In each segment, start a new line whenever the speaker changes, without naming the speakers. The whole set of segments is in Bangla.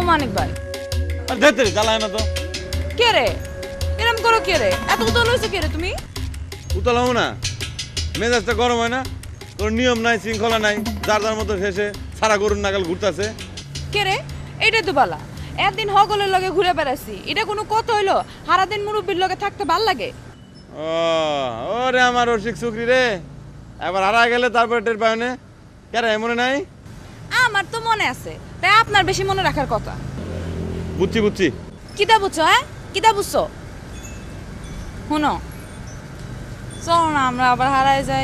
মানিক ভাই।
আর ধেতে জ্বালায় না তো।
কে রে এরম করো, কে রে এত উতল হয়েছে, কে রে তুমি?
উতলাও না, মেজাজটা গরম হয় না? তোর নিয়ম নাই, শৃঙ্খলা নাই, যার যার মতো শেষে সারা গরুর নাগাল ঘুরতেছে।
কে রে? এইটাই তো বালা, একদিন হগলের লগে ঘুরে বেড়াচ্ছি, এটা কোনো কথা হইলো? সারাদিন মুরব্বীর লগে থাকতে ভাল লাগে?
ও ওরে আমার রসিক চুকরি রে, এবার হারা গেলে তারপরে টের পায় না। কেন মনে নাই?
আমার তো মনে আছে, তাই আপনার বেশি মনে রাখার কথা।
বুঝছি বুঝছি।
কিতা বুঝছো? হ্যাঁ কিতা বুঝছো? শুনো, চলো না আমরা আবার হারায় যাই।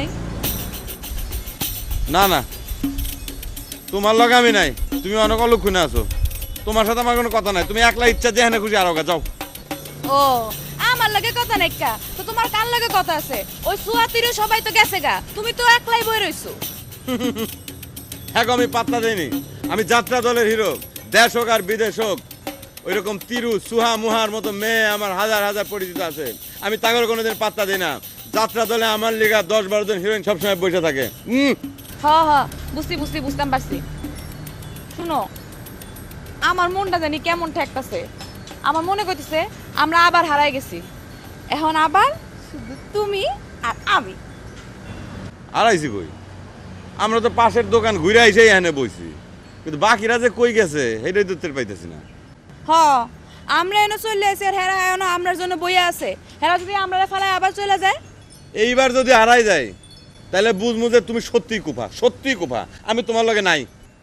না না, তোমার লগে আমি নাই, তুমি অনেক অলক্ষণে আছো। তোমার সাথে আমার কোনো কথা নাই, তুমি একলা ইচ্ছা যেখানে খুশি আরো যাও।
ও আমার লগে কথা নাই কা, তো তোমার কার লগে কথা আছে? ওই সুয়াতিরও সবাই তো গেছে গা, তুমি তো একলাই বই রইছো।
হ্যাঁ আমি পাত্তা দেইনি, আমি যাত্রা দলের হিরো। দেশ হোক আর বিদেশ হোক, ওইরকম তিরু সুহা মুহার মতো মেয়ে আমার হাজার হাজার পরিচিত আছে। আমি তাগর কোনোদিন পাত্তা দিই না। যাত্রা দলে আমার লিগা 10-12 জন হিরোইন সবসময় বসে থাকে।
হ হ বুঝতাম পারছি। শুনো, আমার মনটা জানি কেমন ঠেকতাছে। আমার মনে করতেছে আমরা আবার হারাই গেছি, এখন আবার শুধু তুমি আর আমি।
আড়াইছি কই, আমরা তো পাশের দোকান ঘুরে আইসেই এখানে বইছি, কিন্তু বাকিরা যে কই গেছে সেটাই তো টের পাইতেছি না।
হ আমরা এনে চলে আসি, আর হেরা এখনো আমরার জন্য বইয়া আছে। হেরা যদি আমরা ফেলায় আবার চলে যায়,
এইবার যদি হারাই যায় তাহলে বুঝমু যে তুমি সত্যিই কুফা, সত্যিই কুফা, আমি তোমার লগে নাই।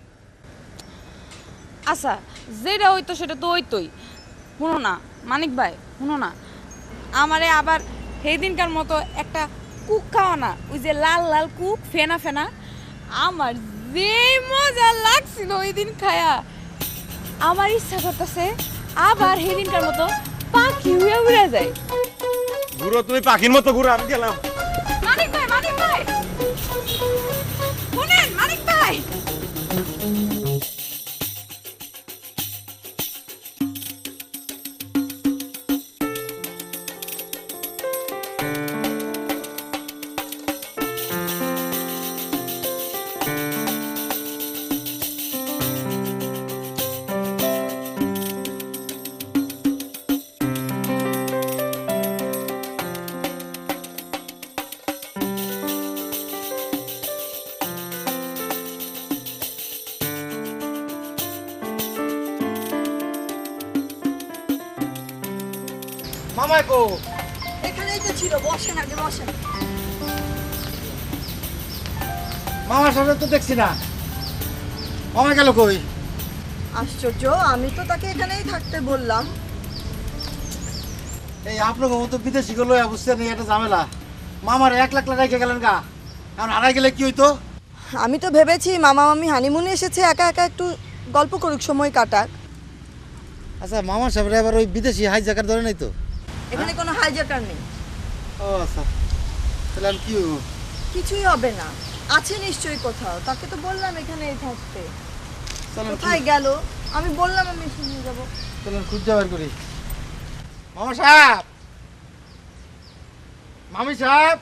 আচ্ছা যেটা হইতো সেটা তো হইতোই। শুনো না মানিক ভাই, শুনো না, আমারে আবার সেই দিনকার মতো একটা কুক খাওয়া না, ওই যে লাল লাল কুক ফেনা ফেনা। আমার যে মজা লাগছিল ওই দিন খায়া, আমার ইচ্ছা করতেছে আবার সেই দিনকার মতো পাখি উড়ে উড়ে যায়।
ঘুরো তুমি পাখির মতো ঘুরো, আমি গেলাম।
মানিক ভাই শুনেন, মানিক ভাই
মামাই কো?
এখানেই তো ছিল, বসেন আগে বসেন।
মামার সাথে তো দেখছি না, মামা গেল কই?
আশ্চর্য, আমি তো তাকে এখানেই থাকতে বললাম।
এই আপনাকে মতো বিদেশি গুলো বুঝছেন, এই একটা ঝামেলা। মামার 1 লাখ রেখে গেলেন গা, এখন হারাই গেলে কি হইতো?
আমি তো ভেবেছি মামা মামি হানিমুনে এসেছে, একা একা একটু গল্প করুক, সময় কাটাক।
আচ্ছা মামার সাহেব এবার ওই বিদেশি হাই জায়গার ধরে নাই তো?
এখানে কোনো হাইজাকার নেই।
ও আচ্ছা, তাহলে আমি কি হইব?
কিছুই হবে না, আছে নিশ্চয়ই কোথাও। তাকে তো বললাম এখানেই থাকতে।
চলেন
কোথায় গেল? আমি বললাম আমি এসে নিয়ে যাবো।
চলেন খুঁজে বের করি। মামা সাহেব, মামি সাহেব,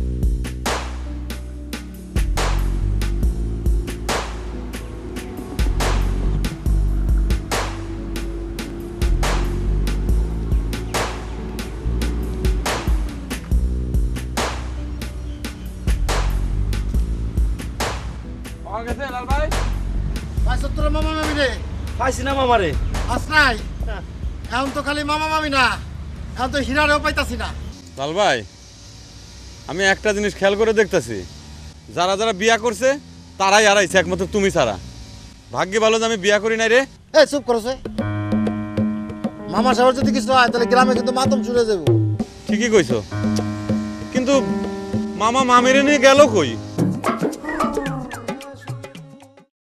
লাল ভাই,
ভাই সত্তর মামা মামি রে।
পাইছি না মামারে।
আস নাই, এখন তো খালি মামা মামি না, এখন তো হীরারেও পাইতাছি না।
লাল ভাই, আমি একটা জিনিস খেয়াল করে দেখতেছি, যারা যারা বিয়া করছে তারাই হারাইছে, একমাত্র তুমি ছাড়া। ভাগ্যে ভালো যে আমি বিয়া করি নাই রে।
এই চুপ করছে, মামা সাহেবের যদি কিছু হয় তাহলে গ্রামে কিন্তু মাতম শুনে যাবো।
ঠিকই কইছো, কিন্তু মামা মামিরে নিয়ে গেল কই?